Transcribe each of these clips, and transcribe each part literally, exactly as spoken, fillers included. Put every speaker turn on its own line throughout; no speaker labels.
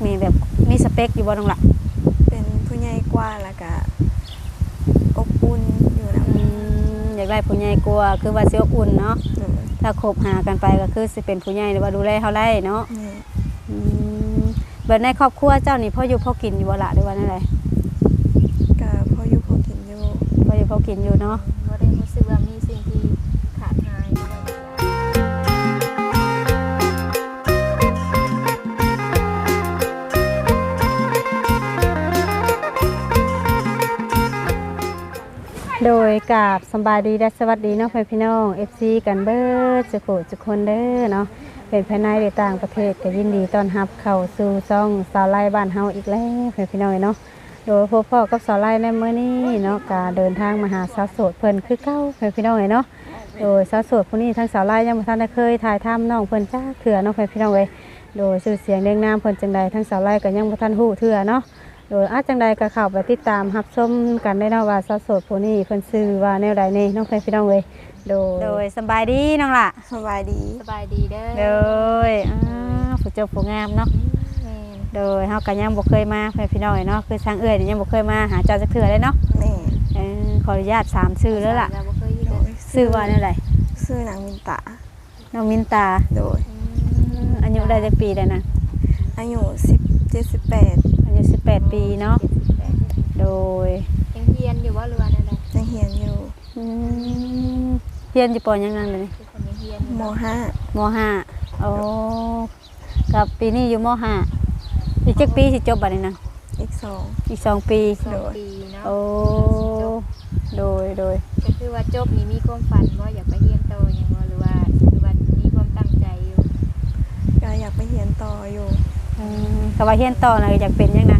นี่แบบมีสเปคอยู่บ่น้องล่ะ
เป็นผู้ใหญ่กว่าแล้วก็อบอุ่นอยู่นะ
อืมอยากได้ผู้ใหญ่กว่าคือว่าสิอบอุ่นเนาะถ้าคบหากันไปก็คือสิเป็นผู้ใหญ่หรือว่าดูแลเฮาได้เนาะอืมเบิดในครอบครัวเจ้านี่พ่ออยู่พ่อกินอยู่บ่ล่ะหรือว่านั่นแหละ
ก็พออยู่พอกินอยู่
พ่ออยู่พ่อกินอยู่เนาะ
บ่ได้รู้สึกว่ามีสิ่งที่ขาดหาย
โดยกราบสบายดีและสวัสดีเนาะพี่น้อง เอฟ ซี กันเบิดสุโขทุกคนเด้อเนาะเป็นภายในหรือต่างประเทศก็ยินดีต้อนรับเข้าสู่ช่องสาวไร่บ้านเฮาอีกแล้วพี่น้องเนาะโดยพ่อพ่อกับสาวไร่ในมื้อนี้เนาะก็เดินทางมาหาสาวโสดเพิ่นคือเก่าพี่น้องเนาะโดยสาวโสดผู้นี้ทั้งสาวไร่ยังบ่ทันได้เคยถ่ายทำน้องเพิ่นจ้าเถื่อเนาะพี่น้องเอ้ยโดยชื่อเสียงเรียงนามเพิ่นจังใดทั้งสาวไร่ก็ยังบ่ทันฮู้เถื่อเนาะโดยอาจังใดก็เข้าไปติดตามรับชมกันได้เนาะว่าสาวโสดผู้นี้เพิ่นชื่อว่าแนวใดนี่น้องพี่น้องเอ้ยโดยโดยสบายดีน้องล่ะ
สบายดี
สบายดีเด้อ
โดยอ่าผู้เจ้าผู้งามเนาะโดยเฮาก็ยังบ่เคยมาพี่น้องเนาะคือทางเอื้อยนี่ยังบ่เคยมาหาเจ้าจักเทื่อเลยเนาะ
แม่
เออขออนุญาตสามชื่อแล้วล่ะชื่อว่าแนวใด
ชื่อนางมินตา
น้องมินตา
โดย
อายุได้จักปีได้นะ
อายุสิบเจ็ด สิบแปด
อายุสิบแปดปีเนาะโดย
ยังเรียนอยู่บ่หรือว่าแนวใด
ยังเรียนอยู่
อืมเรียนอยู่ปอยังนั่นเลย
ม.ห้าม
ห้าโอ้กับปีนี้อยู่ม.ห้าอีกจักปีสิจบบัดนี้นะ
อีกสอง
อีกสองปี
โดย
โอ้โดยโดย
ก็คือว่าจบนี่มีความฝันว่าอยากไปเรียนต่อหยังบ่หรือว่าหรือว่ามีความตั้งใจอยู่
ก็อยากไปเรียนต่ออยู่
อืมก็ว่าเรียนต่อน่ะอยากเป็นหยังนะ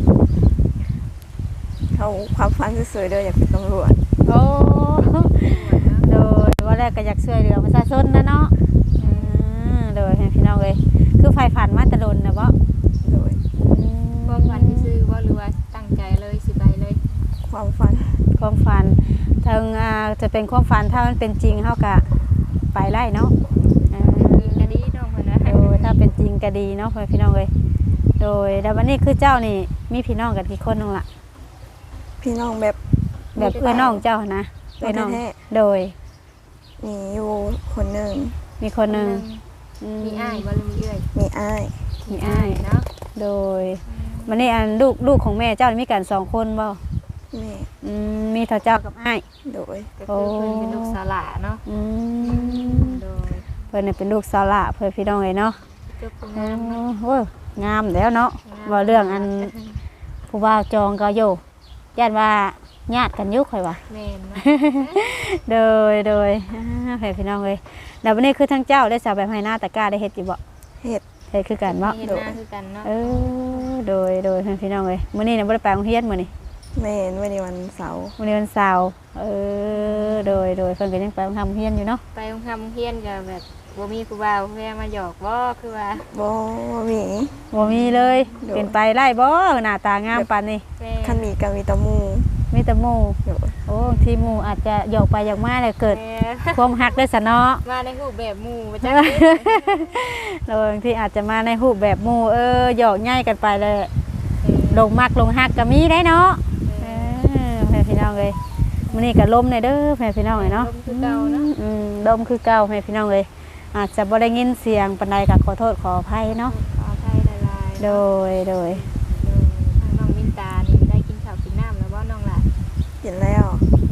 เขาความฝันสวยๆเด้ออยากเป็นตำรวจ
โอ้โดยว่าแรกก็อยากช่วยเหลือประชาชนนะเนาะอืมโดยให้พี่น้องเอ้ยคือไฟฝันมาแต่โดนน่ะบ่
โดย
ความฝันที่ซื้อว่าหรือว่าตั้งใจเลยสิไปเลย
ความฝัน
ความฝันทางอ่าจะเป็นความฝันถ้ามันเป็นจริงเฮาก็ไปไล่เนาะ
อ่าจริงก็ดีน้องเพิ่นนะ
โอ้ถ้าเป็นจริงก็ดีเนาะพี่น้องเอ้ยโดยแล้ววันนี้คือเจ้านี่มีพี่น้องกันกี่คนนึงล่ะ
พี่น้องแบบ
แบบเอื้อน้องเจ้านะเอื้อน้องโดย
มีอยู่คนหนึ่ง
มีคนหนึ่ง
มีอ้ายบ่หรือมีเอื้อย
มีอ้าย
มีอ้ายเนาะโดยวันนี้อันลูกลูกของแม่เจ้ามีกันสองคนบ่
แม่
อืมมีเท่าเจ้ากับอ้าย
โดย
ก็คือเพิ่นเป็นลูกสาวหล่าเนาะ
อืมโดยเพิ่นเป็นลูกสาวหล่าเพิ่นพี่น้องเอ้ยเนาะ
จบงามเนาะ
โอ้งามแล้วเนาะว่าเรื่องอันผู้บ่าวจองก็อยู่ย่านว่าญาติกันยุคข่อยว่า
แม่นเนาะ
โดยโดยให้พี่น้องเอ้ยแล้ววันนี้คือทั้งเจ้าได้สาวแบบให้หน้าตะกร้าได้เฮ็ดอยู่บ่
เฮ็ด
เฮ็ดคือกันบ่
เฮ็ดหน้าคือกันเนาะ
เออโดยโดยให้พี่น้องเอ้ยมื้อนี้น่ะบ่ได้ไปโรงเรียนมื้อนี้
แม่นวันนี้วันเสาร์
วันนี้วันเสาร์เออโดยโดยเพิ่นก็ยังไปทำเรียนอยู่เนาะ
ไปทำเรียนก็แบบบ่มีผู้บ่าวแม่มาหยอกบ่คือว่า
บ่มี
บ่มีเลยเป็นไปไล่บ่หน้าตางามปานนี้
คันมีก็มีแต่หมู่
มีแต่หมู่โอ้ที่หมู่อาจจะหยอกไปหยอกมาแล้วเกิดความฮักได้ซะเนาะ
มาในรูปแบบหมู่บ่จัก
แล้วบางทีอาจจะมาในรูปแบบหมู่เออหยอกง่ายกันไปเลยลงมักลงฮักก็มีได้เนาะเออแม่พี่น้องเอ้ยมื้อนี้ก็ลมในเด้อแม่พี่น้องเอ้ยเนาะ
ลมคือเก่าเนาะ
อืมลมคือเก่าแม่พี่น้องเอ้ยอาจจะบ่ได้ยินเสียงปานใดก็ขอโทษขออภัยเนาะ
ขออภัยหลาย
ๆโดยโดย
ทางน้องมินตานี่ได้กินข้าวกินน้ำแล้วบ่น้องล่ะ
กินแล้ว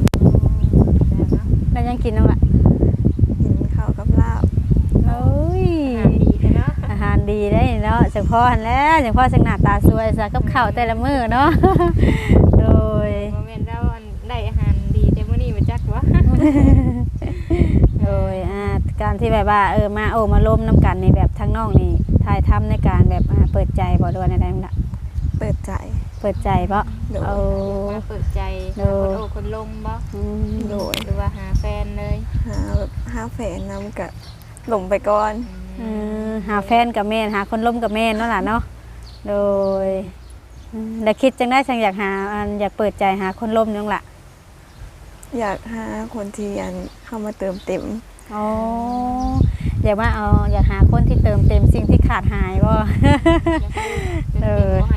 แล้วยังกินน้องล่ะ
กินข้าวกับลาบ
โอ้ย
อาหารดีเนาะ
อาหารดีได้เนาะจังพ่อหันแล้วจังพ่อจังหน้าตาสวยซะกับข้าวแต่ละมื้อเนาะโดย
บ่แม่นเราได้อาหารดีแต่มื้อนี้บ่จักวะ
โดยอ่าการที่แบบว่าเออมาโอ้มาล้มน้ำกันในแบบทั้งน้องนี่ทายทำในการแบบเปิดใจบ่ด้วยอะไรนั่นล่ะ
เปิดใจ
เปิดใจเพราะ
เอามาเปิดใจคนโอ้คนลมบ่
โดย
หรือว่าหาแฟนเลย
หาแบบหาแฟนนำกับหลงไปก่อน
หาแฟนกับแม่หาคนล้มกับแม่นั่นแหละเนาะโดยแต่คิดจังได้จังอยากหาอยากเปิดใจหาคนล้มนั่นแหละ
อยากหาคนที่ยันเข้ามาเติมเต็ม
อ๋ออยากว่าเอาอยากหาคนที่เติมเต็มสิ่งที่ขาดหายบ่
เออ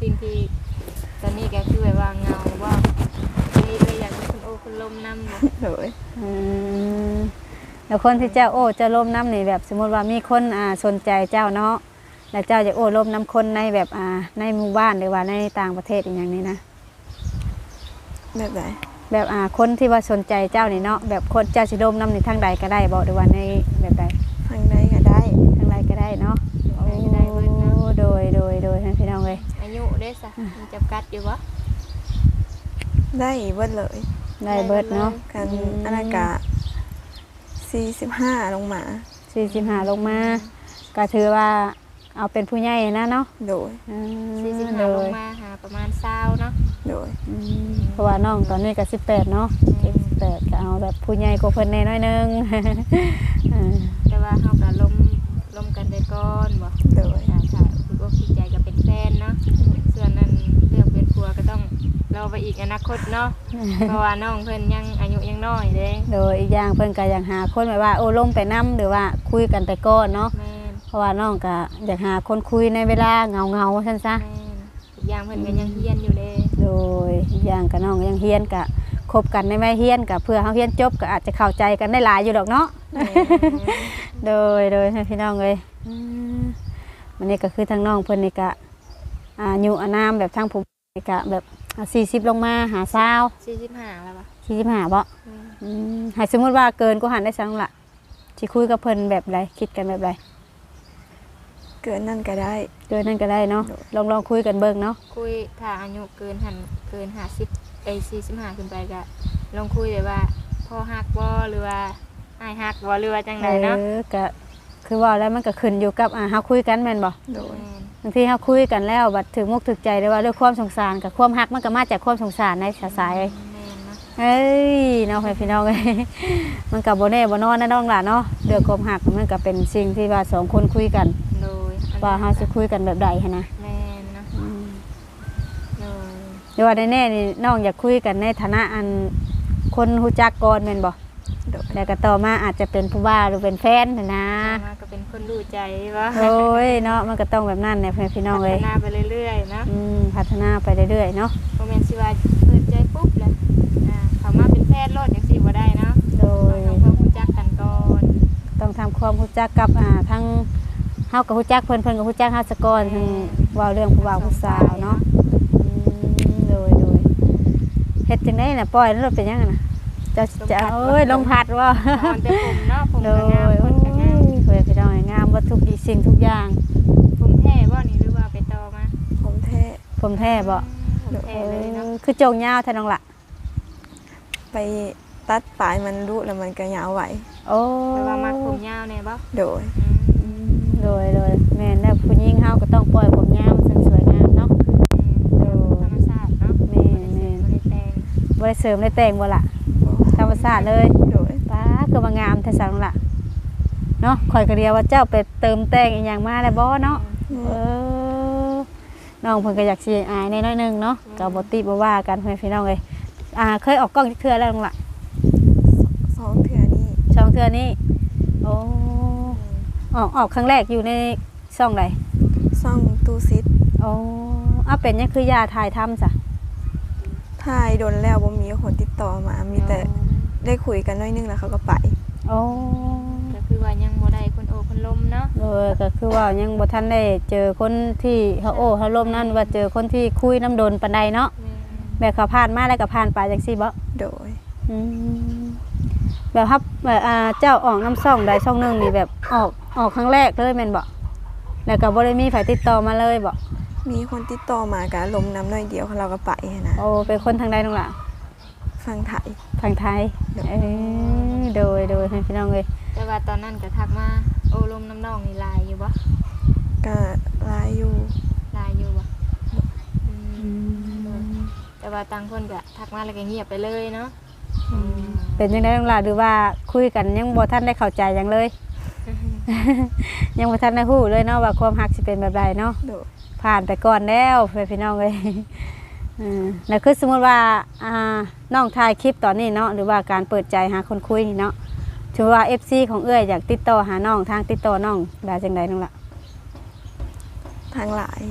สิ่งที่ตอนนี้ก็คือแบบว่าเงาว่ามีเลยอยากมีคนโอ้คนลมนำบ่
โดย
อืมแล้วคนที่เจ้าโอ้เจ้าร่มน้ำนี่แบบสมมติว่ามีคนอ่าสนใจเจ้าเนาะแล้วเจ้าจะโอ้ร่มน้ำคนในแบบอ่าในหมู่บ้านหรือว่าในต่างประเทศอย่างนี้นะ
แบบไหน
แบบอ่าคนที่ว่าสนใจเจ้านี่เนาะแบบคนเจ้าสิร่มน้ำในทางใดก็ได้บอกหรือว่าในแบบใด
ทางใดก็ได้
ทางใดก็ได้เนาะ
ทางใดก็ได้เบิดเนาะ
โอ้โดยโดยโดยให้พี่น้องเลย
อายุเด้ซะมีจำกัดอยู่บ่
ได้เบิดเลย
ได้เบิดเนาะ
กันอันนั้นกะสี่สิบห้าลงมา
สี่สิบห้าลงมาก็ถือว่าเอาเป็นผู้ใหญ่นะเนาะ
โดย
อืม
สี่สิบ
โด
ห้าล
ย
งมาหาประมาณ20เนาะ
โดย
อืมเพราะว่าน้องตอนนี้ก็สิบแปดเนาะ
อืม
เจ็ดสิบแปดก็เอาแบบผู้ใหญ่กว่าเพิ่นแน่น้อยหนึง อ่า
แต่ว่าเฮาก็ลมลมกันได้ก่อนบ่
โดย
ถ้าถ้าคือว่าคิดใจก็เป็นแฟนเนาะส่วนนั้นเรื่องเป็นผัวก็ต้องรอไปอีกอนาคตเนาะ เพราะว่าน้องเพิ่นยังอายุยังน้อยเด้
โดยอีกอย่างเพิ่นก็อยากหาคนแบบว่าโอ้ลมไปนํหรือว่าคุยกันแต่ก่อนเนาะ
แม่น
เพราะว่าน้องก็อยากหาคนคุยในเวลาเหงาๆซั่นซะ
แม่นอีกอย่างเพิ่นก็ยังเฮียนอยู่เด้
โดยอีกอย่างก็น้องยังเฮียนก็คบกันในไม่เฮียนก็เพื่อเฮาเฮียนจบก็อาจจะเข้าใจกันได้หลายอยู่ดอกเนาะ
แม่น
โดยโดยให้พี่น้องเลยอืมวันนี้ก็คือทางน้องเพิ่นนี่ก็อายุอานามแบบทางผู้นี่ก็แบบสี่สิบลงมาหาสาว
สี่สิบห้าแล้วป่ะ
สี่สิบห้าบ่
แม่น
อืมให้สมมติว่าเกินก็หันได้สังละสิคุยกับเพิ่นแบบไรคิดกันแบบไร
เกินนั่นก็ได้
เกินนั่นก็ได้เนาะลองลองคุยกันเบิ่งเนาะ
คุยถ้าอายุเกินหันเกิน50ไอ้สี่สิบห้าขึ้นไปก็ลองคุยแบบว่าพ่อฮักบ่หรือว่าอ้ายฮักบ่หรือว่าจังไดเนาะ
เออก็คือว่าแล้วมันก็ขึ้นอยู่กับอ่าเฮาคุยกันแม่นบ่
โดย
แม่น
บางทีเฮาคุยกันแล้วบัดถึงมุกถึกใจได้ว่าด้วยความสงสารกับความฮักมันก็มาจากความสงสารในสาย
แม่นเนาะ
เอ้ยเนาะพี่น้องเอ้ย มันกับโบเน่โบนอนนะน้องหล่ะเนาะเดือกความหักมันก็เป็นสิ่งที่ว่าสองคนคุยกัน
โดยอัน
ว่าเขาจะคุยกันแบบใดหั้นนะ
แม่นเนาะ
อืม
โดย
เดี๋ยวว่าแน่ๆนี่น้องอยากคุยกันในฐานะอันคนฮู้จักก่อนแม่นบ่
โดย
แล้วก็ต่อมาอาจจะเป็นผู้บ่าวหรือเป็นแฟนหั้นนะ
มาก็เป็นคนรู้ใจว่า
โอ้ยเนาะมันก็ต้องแบบนั้นแหละพี่น้อง
พั
เอ้
ฒ
ย
นาไปเรื่อยๆเนาะ
อืมพัฒนาไปเรื่อยๆเนาะ
โมเมนต์สิว่าเปิดใจปุ๊บเลยอ่าเขามาเป็นแพทย์โลดอย่างสิว่าได้เนาะ
โด
ต้อง
ย
ทำความรู้จักกันก่อน
ต้องทำความรู้จักกับอ่าทั้งเฮากับฮู้จักเพิ่นเพิ่นกับฮู้จักเฮาซะก่อนทั้งเว้าเรื่องผู้บ่าวผู้สาวเนาะ อืมโดยโดยเฮ็ดจังได๋น่ะปล่อยแล้วรถเป็นยังไงน่ะจะจะเอ้ยลงพัดว่า
ตอนแต่ผมเนาะผม
โด
ก็
ย
งาม
โอ้
คนก็งาม
ยเพื่อนพี่น้องงามวัตถุกสิ่งทุกอย่าง
ผมแท้บ่นี่หรือว่าไปต่อมา
ผมแท้
ผมแท้บ่
ผมแท้เลยเนาะ
ออคือโจงยาวแท้น้องล่ะ
ไปตัดปลายมันรุแล้วมันก็ยาวไหว
โอ้
แปลว่ามักผมยาวแน่บ่
โดย
อืม
โดยโดยแม่นแล้วผู้หญิงเฮาก็ต้องปล่อยผมยาวมันสวยงามเนาะ
อืมธรรมชาติเนาะ
แม่
บ่ได้เสริมบ่ได้แต่ง
บ่ได้เสริมได้แต่งบ่ล่ะ
บ่
ธรรมชาติเลย
โดย
ป้าก็มางามแท้สังล่ะเนาะข่อยก็เรียกว่าเจ้าไปเติมแต่งอีหยังมาแล้วบ่เนาะ เออน้องเพิ่นก็อยากสิอายในน้อยหนึงเนาะก็บ่ติบ่ว่ากันเพื่อนพี่น้องเอ้ยอ่าเคยออกกล้องจักเทื่อแล้วน้องล่ะ
สองเทื่อนี้
ช่องเทื่อนี้โอ้ออกออกครั้งแรกอยู่ในช่องใด
ซ่องตูซิด
โอ้เอาเป็นหยังคือยาถ่ายทำซะ
ถ่ายโดนแล้วบ่มีคนติดต่อมา มีแต่ได้คุยกันหน้อยนึงแล้วเขาก็ไป
โอ้
ก็คือว่ายังบ่ได้คนโอคนลมเนาะ
โดยก็คือว่ายังบ่ทันได้เจอคนที่เฮาโอ้เฮาล้มนั่นว่าเจอคนที่คุยน้ำดนปานใดเนาะ
แม่
แบบเขาผ่านมาแล้วก็ผ่านไปจังซี่บ่
โดย
อืมแบบครับแบบอ่าเจ้าออกน้ำซ่องใดซ่องหนึงนี่แบบออกออกครั้งแรกเลยแม่นบ่แล้วก็บ่ได้มีไผติดต่อมาเลยบ่
มีคนติดต่อมาการลมน้ำหน่อยเดียวเราก็ไปนะ
โอ้เป็นคนทางใดน้องล่ะ
ฟังไทย
ทางไทยเออโดยโดยให้พี่น้องเลย
แต่ว่าตอนนั้นก็ทักมาโอลมน้ำนองนี่ลายอยู่บ่
ก็ลายอยู่
ลายอยู่บ่อืมแต่ว่าต่างคนก็ทักมาแล้วก็เงียบไปเลยเนาะอืม
เป็นยังไงน้องล่ะหรือว่าคุยกันยังบ่ทันได้เข้าใจหยังเลย ยังบ่ทันได้ฮู้เลยเนาะว่าความรักสิเป็นแบบใดเนาะ
โดย
ผ่านไปก่อนแล้วเพื่อนพี่น้องเลย อืมแล้วคือสมมติว่าอ่าน้องถ่ายคลิปตอนนี้เนาะหรือว่าการเปิดใจหาคนคุยนี่เนาะถือว่า เอฟ ซี ของเอื้อยอยากติดต่อหาน้องทางติดต่อน้องได้จังไดน้องล่ะ
ทางหลายอยู่
ท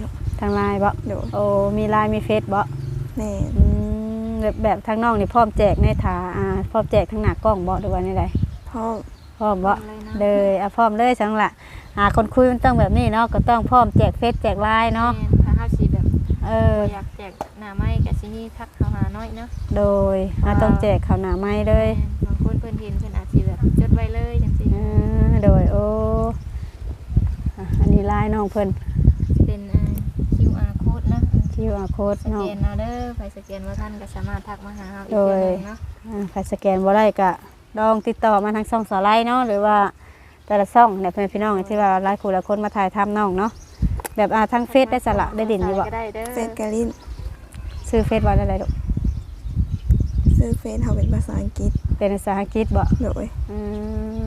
ทางไลน์บ่
โดย
โอ้มีไลน์มีเฟซบ่
แม่น
อืมแบบแบบทางน้องนี่พร้อมแจกในถาอ่าพร้อมแจกทางหน้ากล้องบ่หรือว่าในใด
พ่อ
พร้อมบ่
เลยนะ
เลยอ่ะพร้อมเลยจังละหาคนคุยมันต้องแบบนี้เนาะก็ต้องพร้อมแจกเฟซแจกไลน์เนาะ
แม่ถ้าเฮาสิแบบ
เออ
บ่อยากแจกหน้าไม้ก็สิมีทักเข้าหาน้อยเนาะ
โดยเราต้องแจกข้าวหน้าไม้เลย
บางคนเพิ่นเห็นเพิ่นอาจสิแบบจดไว้เลยจังซี่
เออโดยโอ้อ่ะอันนี้ไลน์น้องเพิ่น
เป็นอ่า คิว อาร์ code นะ
คิว อาร์ code
ส
เนาะ
แกนเอาเด้อไปสแกนบ่ทันก็สามารถทักมาหาเฮาอีก
โดย
เทื่อหนึงเนาะ
อ่าใครสแกนบ่ได้ก็ลองติดต่อมาทางช่องสาไลน์เนาะหรือว่าแต่ละช่องเนี่ยเพื่อนพี่น้องที่ว่าหลายคู่หลายคนมาถ่ายทำน้องเนาะแบบอ่าทางเฟซได้สละได้ดินอยู่บ่
ก็ได้เด้อ
เฟซกะลิน
ซื้อเฟซว่าได้ไรลูก
ซื้อเฟซเฮาเป็นภาษาอังกฤษ
เป็นภาษาอังกฤษบ่
โดย
อืม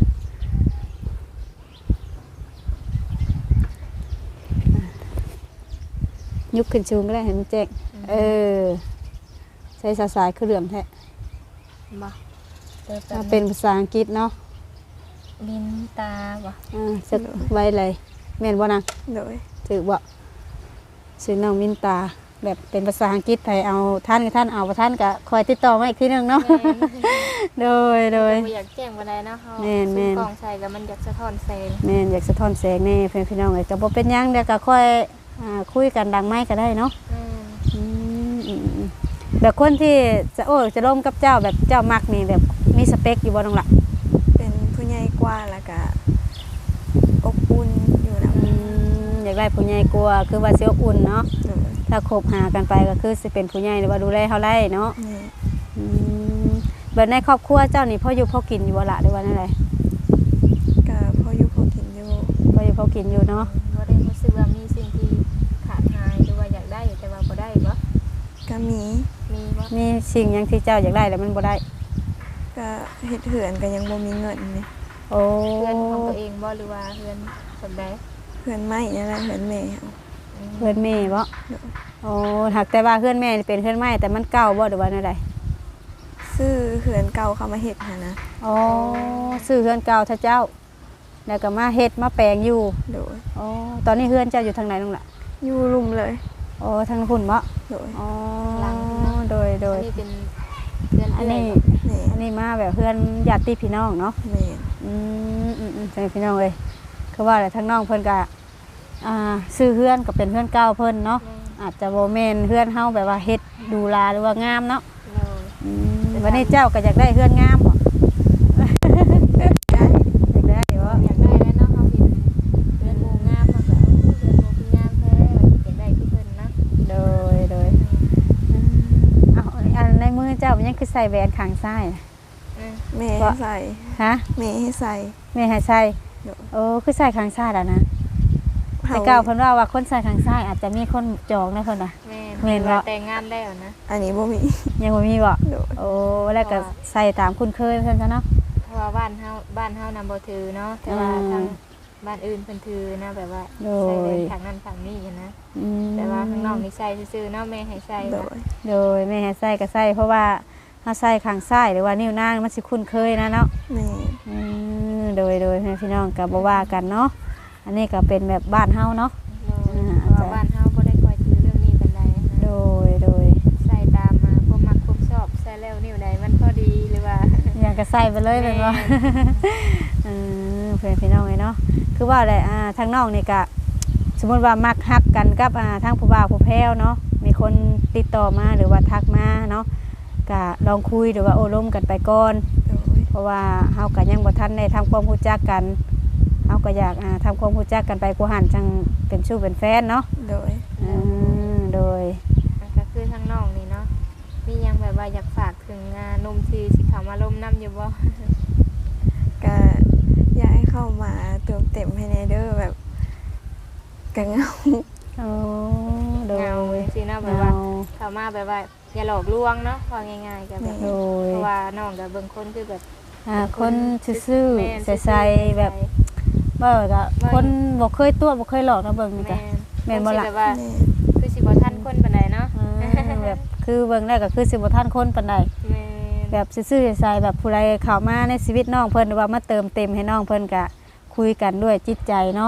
ยุกขึ้นชูงก็ได้เห็นมันแจ้งเออใช้สายสายคือเหลื่อมแท้
บ่เด้อ
ถ้าเป็นภาษาอังกฤษเนาะ
ลินตาบ่
อ่าสึกไว้เลยแม่นบ่นาง
โดย
ถือบ่ชื่อน้องมินตาแบบเป็นภาษาอังกฤษไทยเอาท่านกับท่านเอาบ่ท่านก็คอยติดต่อมาอีกทีหนึงเนาะ โดยโดย
บ่อยากแจ้งบ่ได้เนาะเฮา
แม่นแม่น
ซื้อกล่องใส่ก็มันอยากสะท้อนแสง
แม่นอยากสะท้อนแสงแน่เพื่อนพี่น้องเอ้ยก็บ่เป็นหยังเดี๋ยวก็ค่อยอ่าคุยกันดังไม้ก็ได้เนาะ
อืม
อืมอืมอืมแบบคนที่จะโอ้จะร่วมกับเจ้าแบบเจ้ามักนี่แบบมีสเปคอยู่บ่น้องล่ะ
เป็นผู้ใหญ่กว่าแล้วก็อบอุ่นอยู่นำ
อืมอยากได้ผู้ใหญ่กลัวาคือว่าสิอบอุ่นเนาะ
โดย
ถ้าคบหากันไปก็คือสิเป็นผู้ใหญ่หรือว่าดูแลเฮาได้เนาะ
แม่
อืมแบบในครอบครัวเจ้านี่พ่ออยู่พ่อกินอยู่บ่ละหรือว่านั่นแหละ
ก็พออยู่พอกินอยู่
พ่ออยู่พ่อกินอยู่เนาะ
บ่ได้รู้สึกว่ามีสิ่งที่ขาดหายหรือว่าอยากได้แต่ว่าบ่ได้บ่
ก็มี
มีบ่
มีสิ่งหยังที่เจ้าอยากได้แต่มันบ่ได้
ก็เฮ็ดเหือนก็ยังบ่มีเงินนี่
โอ้
เพื่อนของตัวเองบ่หรือว่าเพื่อนสำใด
เหือนไม้นั่นแหละเหือนแม่เฮา
อืม
เพื่อนแม่บ่
โดย
โอ้หากแต่ว่าเพื่อนแม่นี่เป็นเพื่อนไม้แต่มันเก่าบ่หรือว่านั่นใด
ซื้อเหือนเก่าเข้ามาเฮ็ดหานะ
โอ้ซื้อเพื่อนเก่าถ้าเจ้าแล้วก็มาเฮ็ดมาแปลงอยู่
โดย
โอ้ตอนนี้เพื่อนเจ้าอยู่ทางไหนน้องล่ะ
อยู่รุมเลย
โอ้ทางพุ่นบ่
โดย
อ๋อโดยโด
อั
ย
นนี้เป็นเพื่อน
อัน
เอื้อย
นี้
บ่
แม่
อันนี้มาแบบเพื่อนญาติพี่น้องเนาะ
แม่
อืมอืมอืมใช่พี่น้องเลยคือว่าแต่ทั้งน้องเพิ่นก็อ่าซื้อเพื่อนก็เป็นเพื่อนเก่าเพิ่นเนาะ
แม่
อาจจะโบเมนเพื่อนเฮาแบบว่าเฮ็ดดูแลหรือว่างามเนาะ
เลย
อืมวันนี้เจ้าก็อยากได้เพื่อนงามบ่
ได้
อยากได้บ่
อยากได้แล้วเนาะเขาเห็นเพื่อนหมู่งามมาแบบเพื่อนหมู่คืองามแท้อยากได้คือเพิ่นนะ
โดยโดยอืมเอาอันในมือเจ้ามันยังคือใส่แหวนข้างซ้ายน่ะ
อืม
แม่ให้ใส่
ฮะ
แม่ให้ใส่
แม่ให้ใส่
โดย
โอ้คือใส่ข้างซ้ายแล้วนะ
เฮา
แต่เก่าเพิ่นว่าว่าคนใส่ข้างซ้ายอาจจะมีคนจองนะเพิ่นน่ะ
แม่
แม่นบ่
ว่าแต่งงานได้วนะ
อันนี้บ่มี
ยังบ่มีบ่
โดย
โอ้แล้วก็ใส่ตามคุ้นเคยเพิ่นซะเนาะ
เพราะว่าบ้านเฮาบ้านเฮานำบ่ถือเนาะแต่ว่า
อืม
ทางบ้านอื่นเพิ่นถือนะแบบว่า
โดย
ใส่แหวนทางนั้นทางนี้อะนะ
อืม
แต่ว่าข้างนอกนี่ใส่ซื่อๆเนาะแม่ให้ใส่
โด
นะ
ย
โดยแม่ให้ใส่ก็ใส่เพราะว่าถ้าใส่ข้างซ้ายหรือว่านิ้วนางมันสิคุ้นเคยนะเนาะ
แม่
อืมโดยโดยให้พี่น้องก็บ่ว่ากันเนาะอันนี้ก็เป็นแบบบ้านเฮาเนาะ
เลยเพราะว่าบ้านเฮาบ่ได้ค่อยถือเรื่องนี้ปานใดนะ
โดยโดย
ใส่ตามมาความมักความชอบใส่แล้วนิ้วใดมันพอดีหรือว่า
อย่างก็ใส่ไปเลยเป็นว่า
แม่
อืมเพื่อนพี่น้องเลยเนาะคือว่าอะไรอ่าทางน้องนี่ก็สมมติว่ามักฮักกันกับอ่าทางผู้บ่าวผู้แพ้วเนาะมีคนติดต่อมาหรือว่าทักมาเนาะก็ลองคุยหรือว่าโอ้ล้มกันไปก่อน
โดย
เพราะว่าเฮาก็ยังบ่ทันได้ทำความรู้จักกันเฮาก็อยากอ่าทำความรู้จักกันไปกูหันจังเป็นชู้เป็นแฟนเนาะ
โดย
อืมโดย
มันก็คือทางน้องนี่เนาะมียังแบบว่าอยากฝากถึงอ่าหนุ่มที่สิเข้ามาร่มน้ำอยู่บ่
ก็อยากให้เข้ามาเติมเต็มให้ในเด้อแบบกะเหงา
โอ้โดย
เงาสิเนาะแบบว่าเข้ามาแบบว่าอย่าหลอกลวงเนาะว่าง่ายๆก็แบบ
โดย
เพราะว่าน้องก็เบิ่งคนคือแบบ
อ่าคนซื่อ
แม่น
ๆใสๆแบบเบ่ก็คนบ่เคยตัวบ่เคยหลอกนะเบิ่งนี่ก็
แม่น
แม่นบ่ล่ะ
แบบว่า
แม่
คือสิบ่ทันคนปานใดเนาะ
อืมแบบคือเบิ่งได้ก็คือสิบ่ทันคนปานใด
แม่น
แบบซื่อๆใสๆแบบผู้ใดเข้ามาในชีวิตน้องเพิ่นหรือว่ามาเติมเต็มให้น้องเพิ่นก็คุยกันด้วยจิตใจเนาะ
แม่น
อ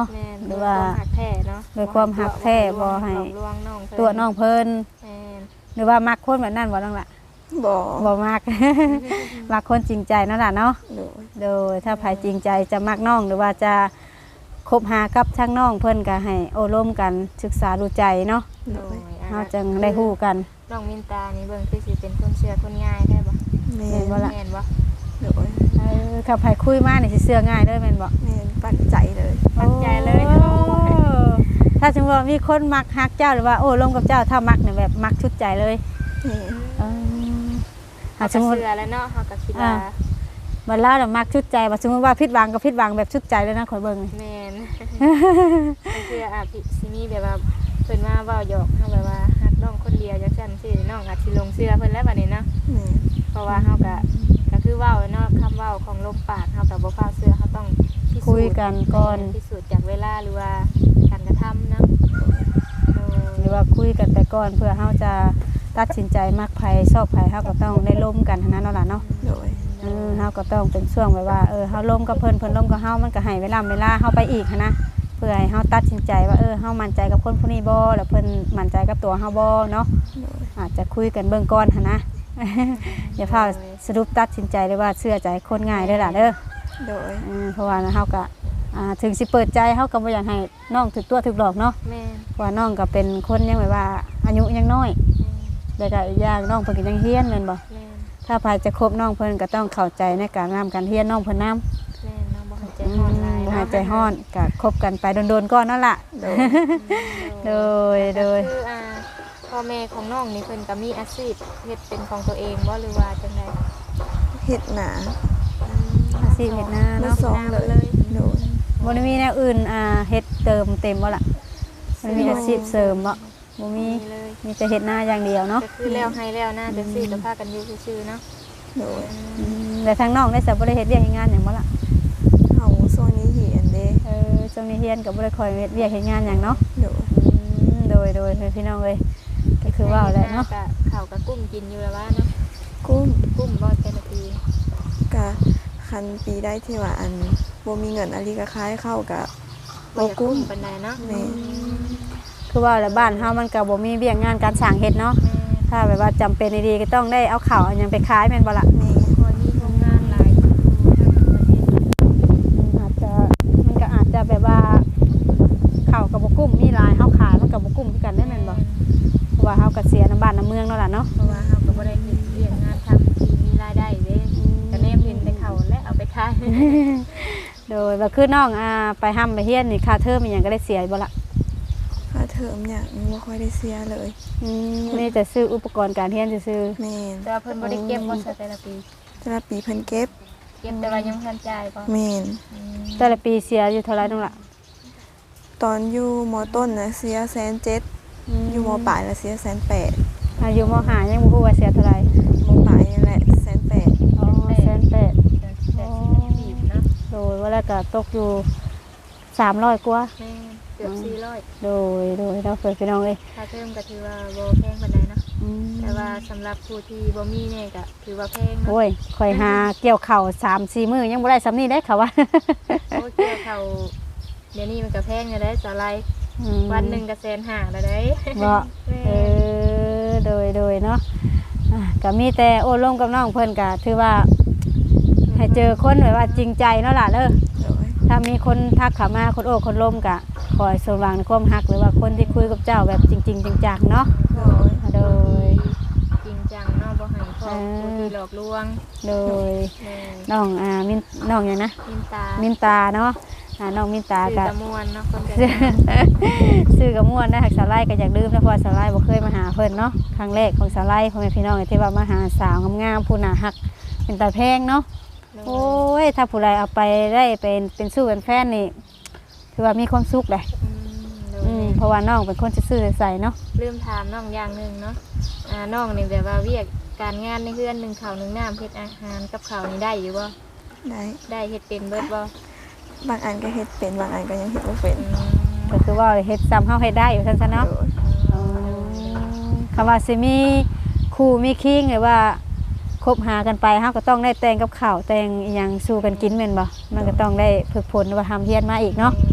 หรือว่า
ความหักแท้เนาะ
โดยความหักแท้บ่ให้
หลอกลวงน้องเพิ่น
ตัวน้องเพิ่น
แม่น
หรือว่ามักคนแบบนั้นบ่น้องล่ะ
บ่
บ่มัก มักคนจริงใจนั่นล่ะเนาะ
โดย
โดยถ้าภายจริงใจจะมักน้องหรือว่าจะคบหากับช่างน้องเพิ่นก็ให้โอ้ร่วมกันศึกษาดูใจเนาะ
โด
โด
ย
ยอ่ะ
เฮาจึงได้ฮู้กัน
น้องมินตานี่เบิ่งคือสิเป็นคนเชื่อคนง่ายได้บ่
แม่
แม่นบ่ล่ะ
แม่นบ่
โดย
เออถ้าภายคุยมานี่สิเชื่อง่ายเด้อแม่นบ่
แม่นปักใจเลย
มั่นใจเลย
โอ้ถ้าสมมติว่ามีคนมักฮักเจ้าหรือว่าโอ้ร่วมกับเจ้าถ้ามักเนี่ยแบบมักชุดใจเลย
แม่น
เออ
เฮา
หากส
ก็
มมติ
เชื่อแล้วเนาะเฮาก็คิดว่า
อ่า บัดลาวน่ะมักชุดใจว่าสมมติว่าผิดหวังก็ผิดหวังแบบชุดใจเลยนะข่อยเบิ่งนี่
แม่น ก็คืออาจสิมีแบบว่าเพิ่นมาเว้าหยอกเฮาแบบว่าฮักน้องคนเดียวจังซั่นซี่น้องอาจสิหลงเชื่อเพิ่นแล้วบัดนี้เนาะ
แม่น
เพราะว่าเฮาก็ก็คือเว้าเนาะคำเว้าของลมปากเฮาก็บ่ฟ้าวเชื่อเฮาต้องพิสูจน์
คุยกันก่อน
พิสูจน์จากเวลาหรือว่าการกระทำเนาะเออ
หรือว่าคุยกันไปก่อนเพื่อเฮาจะตัดสินใจมักไผชอบไผเฮาก็ต้องได้ร่วมกันทั้งนั้นเนาะล่ะเนาะ
โดย
เออเฮาก็ต้องเป็นช่วงแบบว่าเออเฮาร่วมกับเพิ่นเพิ่นร่วมกับเฮามันก็ให้เวลาเวลาเฮาไปอีกหั้นนะเพื่อให้เฮาตัดสินใจว่าเออเฮามั่นใจกับคนผู้นี้บ่แล้วเพิ่นมั่นใจกับตัวเฮาบ่เนาะ
โดย
อาจจะคุยกันเบื้องก่อนหั้นนะ อย่าพาสรุปตัดสินใจเลยว่าเชื่อใจคนง่ายเด้อล่ะเด้อ
โดย
เออเพราะว่าเฮาก็อ่าถึงสิเปิดใจเฮาก็บ่อยากให้น้องถึกตัวถึกหลอกเนาะ
แม่น
เพราะว่าน้องก็เป็นคนยังแบบว่าอายุยังน้อยแล้วก็อีกอย่างน้องเพิ่นก็ยังเรียนแม่นบ่
แม่น
ถ้าพายจะคบน้องเพิ่นก็ต้องเข้าใจในการงานการเรียนน้องเพิ่นนำ
แม่นเนาะบ่ให้ใจฮ้อนหลาย
บ่
เนาะ
ให้ใจฮ้อนก็คบกันไปโดนๆก่อนนั่นล่ะ
โดย
โดยโดย
คืออ่าพ่อแม่ของน้องนี่เพิ่นก็มีอาชีพเฮ็ดเป็นของตัวเองบ่หรือว่าจังได
เฮ็ดหนา
อาชีพเฮ็ดนา
เนาะ
เนาะ
สองเลยโดย
บ่ได้มีแนวอื่นอ่าเฮ็ดเติมเต็มบ่ล่ะบ่ได้มีอาชีพเสริมบ่บ่มี
มีเลย
มีแต่เฮ็ดนาอย่างเดียวเนาะ
ก็คือแล้วให้แล้วนะจังซี่ก็พากันอยู่ซื่อๆเนาะ
โดย
อืมแล้วทางน้องได้สับบ่ได้เฮ็ดเวียกเฮ็ดงานหยังบ่ล่ะ
เฮาโซนนี้เหียนเด้
เออช่วงนี้เรียนก็บ่ได้ค่อยเฮ็ดเวียกเฮ็ดงานหยังเนาะ
โดย
อืมโดยโดยพี่น้องเอ้ยก็คือว่าแหละเนาะ
ก็ข้าวก็กุ้มกินอยู่แล้วว่าเนาะ
กุ้ม
กุ้มบ่แต่ละปี
กะคันปีได้ที่ว่าอันบ่มีเงินอะไรก็คล้ายเข้ากับ
บ่
บ่
อยาก
กุ้
กุ้
ม
มปานใดเนาะ
แม่
คือว่าแล้วบ้านเฮามันก็บ่มีเวียกงานการสร้างเฮ็ดเนาะ
แม่
ถ้าแบบว่าจำเป็นดีๆก็ต้องได้เอาข้าวอันหยังไปขายแม่นบ่ล่ะ
แม่
พอมีโรงงานหลายอยู่ทางประเทศ
อืมอาจจะมันก็อาจจะแบบว่าข้าวกับบ่กุ้มมีหลายเฮาขายมันก็บ่กุ้มคือกันได้แม่นบ่เพราะว่าเฮาก็เสียน้ำบ้านน้ำเมืองเนาะล่ะเนาะ
เพราะว่าเฮาก็บ่ได้เฮ็ดเรื่องงานทำที่มีรายได้เด้ก็แนมเห็นแต่เขาและเอาไปขาย
โดยว่าคือน้องอ่าไปห้ำไปเฮียนนี่ค่าเทอมอีหยังก็ได้เสียบ่ล่ะ
ค่าเทอมเนี่ยบ่ค่อยได้เสียเลย
อืมนี่จะซื้ออุปกรณ์การเรียนซื่อ
แม่น
แต่ว่าเพิ่นบ่ได้เก็บบ่ซะแต่ละปี
แต่ละปีเพิ่นเก็บ
เก็บแต่ว่ายังบ่ทันจ่ายบ่
แม่น
อืม
ๆแต่ละปีเสียอยู่เท่าไหร่น้องล่ะ
ตอนอยู่มต้นน่ะเสียแสนเจ็ดอยู่มปลายน่ะเสียแสนแปด
อายุมห้ายังบ่ฮู้ว่าเสียเท่าไหร่
มปลายนี่แหละแสนแปด
อ๋อแสนแปด
แต่แต่สิบปีเนาะ
โดยว่าแล้วก็ตกอยู่สามร้อยกว่า
แม่เกือบสี่ร้อย
โดยโดยเราเคยพี่น้องเอ้ย
ค่าเทอมก็ถือว่าบ่แพงปานใดเนาะ
อืม
แต่ว่าสำหรับผู้ที่บ่มีเนี่ยก็ถือว่าแพงเนาะ
โอ้ยข่อยหาเกี่ยวข้าวสามสี่มื้อยังบ่ได้สำนี้ได้ค่ะว่า
โอ้เกี่ยวเขาเดี๋ยวนี้มันก็แพงอยู่ได้สาไลด์
อืม
วันหนึงก็แสนห้าแล้วได้
บ่
แม่
เออโดยโดยเนาะอ่ะก็มีแต่โอ้ร่วมกับน้องเพิ่นก็ถือว่าให้เจอคนแบบว่าจริงใจเนาะล่ะเด้อ
โดย
ถ้ามีคนทักเข้ามาคนโอ้คนร่มก็ขอให้สมหวังในความรักหรือว่าคนที่คุยกับเจ้าแบบจริงๆจังๆเนาะ
โดย
โดย
จริงจังเนาะบ่ให้พ่อผู้ที่หลอกลวง
โดย
แม่
น้องอ่ามินน้องหยังนะ
มินตา
มินตาเนาะอ่าน้องมินตา
คือ
ก็
ตะมวนเนาะคนจะ
ซื้อกับม่วนนะหักสาวไล่ก็อยากลืมนะเพราะว่าสาวไล่บ่เคยมาหาเพิ่นเนาะครั้งแรกของสาวไล่พ่อแม่พี่น้องที่ว่ามาหาสาวงามๆผู้หน้าฮักเป็นตาแพงเนาะโอ้ยถ้าผู้ใดเอาไปได้เป็นเป็นสู้เป็นแฟนนี่ถือว่ามีความสุขเลย
อืมโดย
อืมเพราะว่าน้องเป็นคนซื่อๆใสๆเนาะ
ลืมถามน้องอย่างหนึงเนาะอ่าน้องนี่แบบว่าเวียกการงานในเฮือนหนึ่งข้าวหนึ่งน้ำเฮ็ดอาหารกับข้าวนี่ได้อยู่บ่
ได้
ได้เฮ็ดเป็นเบิดบ่
บางอันก็เฮ็ดเป็นบางอันก็ยังเฮ็ดบ่เป็น
อืม
ก็คือว่าเฮ็ดซ้ำเฮาเฮ็ดได้อยู่ซั่นซะเนาะ
โดย
อืมคำว่าสิมีคู่มีคิงหรือว่าคบหากันไปเฮาก็ต้องได้แต่งกับข้าวแต่งอีหยังสู่กันกินแม่นบ่มันก็ต้องได้ฝึกฝนว่าทำเฮียนมาอีกเนาะ
แ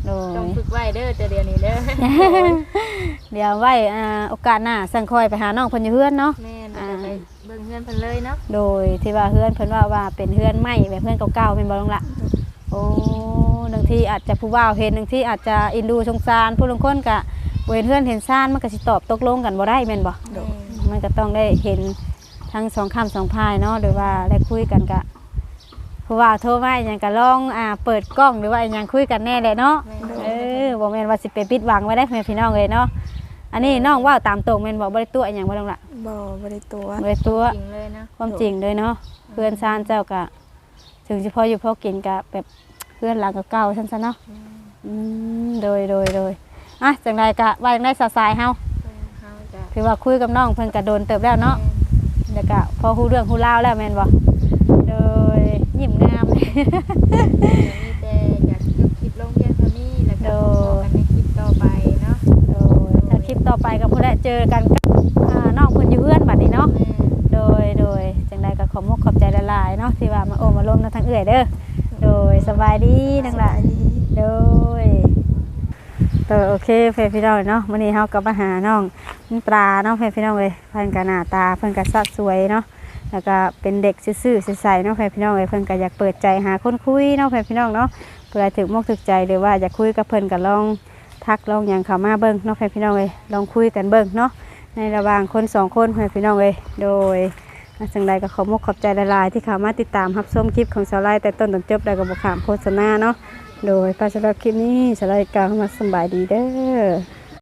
โดย
ต้องฝึกไว้เด้อแต่เดี๋ยวนี้เด้อ
เดี๋ยวไว้อ่าโอกาสหน้าสั่งคอยไปหาน้องเพิ่นอยู่เฮือนเนาะ
แม่นจะไปเบิ่งเฮือนเพิ่นเลยเนาะ
โดยที่ว่าเฮือนเพิ่นว่าว่าเป็นเฮือนใหม่แบบเฮือนเก่าๆเป็นบ่ลงละโอ้บางทีอาจจะผู้บ่าวเห็นบางทีอาจจะอินดูสงสารผู้ลางคนก็บ่เห็นเฮือนเห็นซ่านมันก็สิตอบตกลงกันบ่ได้แม่นบ่
แม่น
มันก็ต้องได้เห็นทั้งสองคำสองพายเนาะหรือว่าได้คุยกันกะผู้ว่าโทรมาอหย่างก็ลองอ่าเปิดกล้องหรือว่าอหย่างคุยกันแน่เลยเนาะ
แม่น
เออบ่แม่นว่าสิไปปิดหวังไว้ได้แม่พี่น้องเลยเนาะอันนี้น้องเว่าตามตรงแม่นบ่บ่ได้ตัวอหย่างบ่ต้องละ
บ่บ่ได้ตัว
บ่ได้ตัว
จริงเลยเนาะ
ความจริงเลยเนาะเพื่อนซ่านเจ้าก็ถึงสิพออยู่พอกินก็แบบเพื่อนหลังเก่าๆซั่นซะเนาะอืมโดยโดยโดยอ่ะจังไดก็ว่าจังได๋สายๆเฮา
เฮาจะ
ถือว่าคุยกับน้องเพิ่นก็โดนเติบแล้วเนาะ แล้วก็พอฮู้เรื่องฮู้ราวแล้วแม่นบ่โดยยิ้มงาม
มีแต่อยากยกคลิปลงเพียงเท่านี้แล้วก็พบกันในคลิปต่อไปเนาะ
โดยถ้าคลิปต่อไปก็พุ่นแหละเจอกันกับอ่าน้องเพิ่นอยู่เฮือนบัดนี้เนาะ
แม่
โดยโดยจังไดก็ขอมกขอบใจหลายๆเนาะที่ว่ามาโอ้มาล้มนำทางเอื้อยเด้อโดยสบายดีนั่งล่ะ
สบายดี
โดยเออโอเคเพื่อนพี่น้องเนาะมื้อนี้เฮาก็มาหาน้องปลาเนาะเพื่อนพี่น้องเอ้ยเพิ่นก็หน้าตาเพิ่นก็สะสวยเนาะแล้วก็เป็นเด็กซื่อๆใสๆเนาะเพื่อนพี่น้องเอ้ยเพิ่นก็อยากเปิดใจหาคนคุยเนาะเพื่อนพี่น้องเนาะเพื่อถึกมกถึกใจหรือว่าอยากคุยกับเพิ่นก็ลองทักลองหยังเข้ามาเบิ่งเนาะเพื่อนพี่น้องเอ้ยลองคุยกันเบิ่งเนาะในระหว่างคนสองคนเพื่อนพี่น้องเอ้ยโดยจังใดก็ขอมกขอบใจหลายๆที่เข้ามาติดตามรับชมคลิปของสาวไลแต่ต้นจนจบแล้วก็บ่ข้ามโฆษณาเนาะโดยไปสำหรับคลิปนี้สาวไลกล่าวคำว่าสำบายดีเด้อ